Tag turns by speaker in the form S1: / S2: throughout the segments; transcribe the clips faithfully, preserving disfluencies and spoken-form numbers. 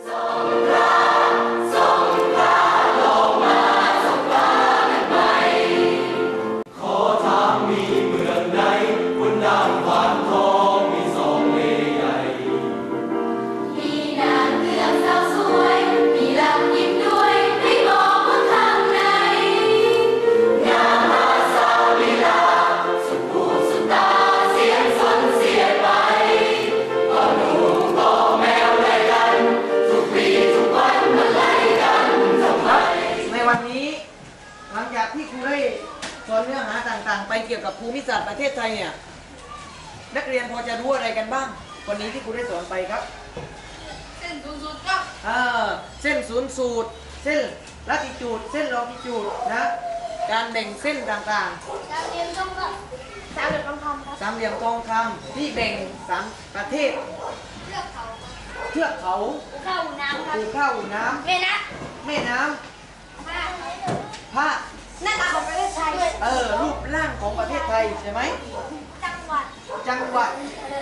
S1: หลังจากที่ครูได้สอนเนื้อหาต่างๆไปเกี่ยวกับภูมิศาสตร์ประเทศไทยเนี่ยนักเรียนพอจะรู้อะไรกันบ้างวันนี้ที่ครูได้สอนไปครับ
S2: เส้นศูนย์สูตรครับ
S1: อ่าเส้นศูนย์สูตรเส้นลัติจูดเส้นลองจิจูดนะการแบ่งเส้นต่าง
S2: ๆสามเหลี่ยมทองคำสามเหลี่ยมทองคำครับ
S1: สามเหลี่ยมทองคำที่แบ่งสามประเทศ
S2: เทือกเขา
S1: เทือกเขา
S2: ภูเขาอู่น้ำครับ
S1: ภูเขาอู่น้ำ
S2: แม่น้
S1: ำแม่น้ำ
S2: ภาคหน้าตาของประเทศไทย
S1: เออรูปร่างของประเทศไทยใช่ไหม
S2: จังหวัด
S1: จังหวัด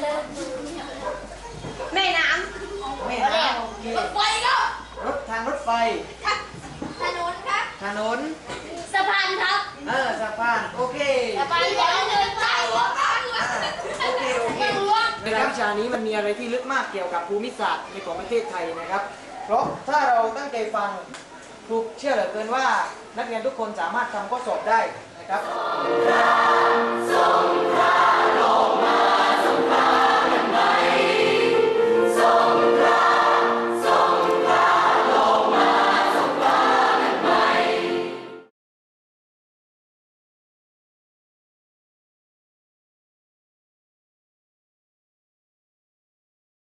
S2: แม่น้ำ
S1: แม่น้ำ
S2: รถไฟก็
S1: รถทางรถไฟ
S2: ถนนครับ
S1: ถนน
S2: สะพานครับ
S1: เออสะพานโอเค
S2: สะพานเดินไป
S1: โอเคโอเคในวิชานี้มันมีอะไรที่ลึกมากเกี่ยวกับภูมิศาสตร์ในของประเทศไทยนะครับเพราะถ้าเราตั้งใจฟังครูเชื่อเหลือเกินว่านักเรียนทุกคนสามารถทำข้อสอบได้นะครับ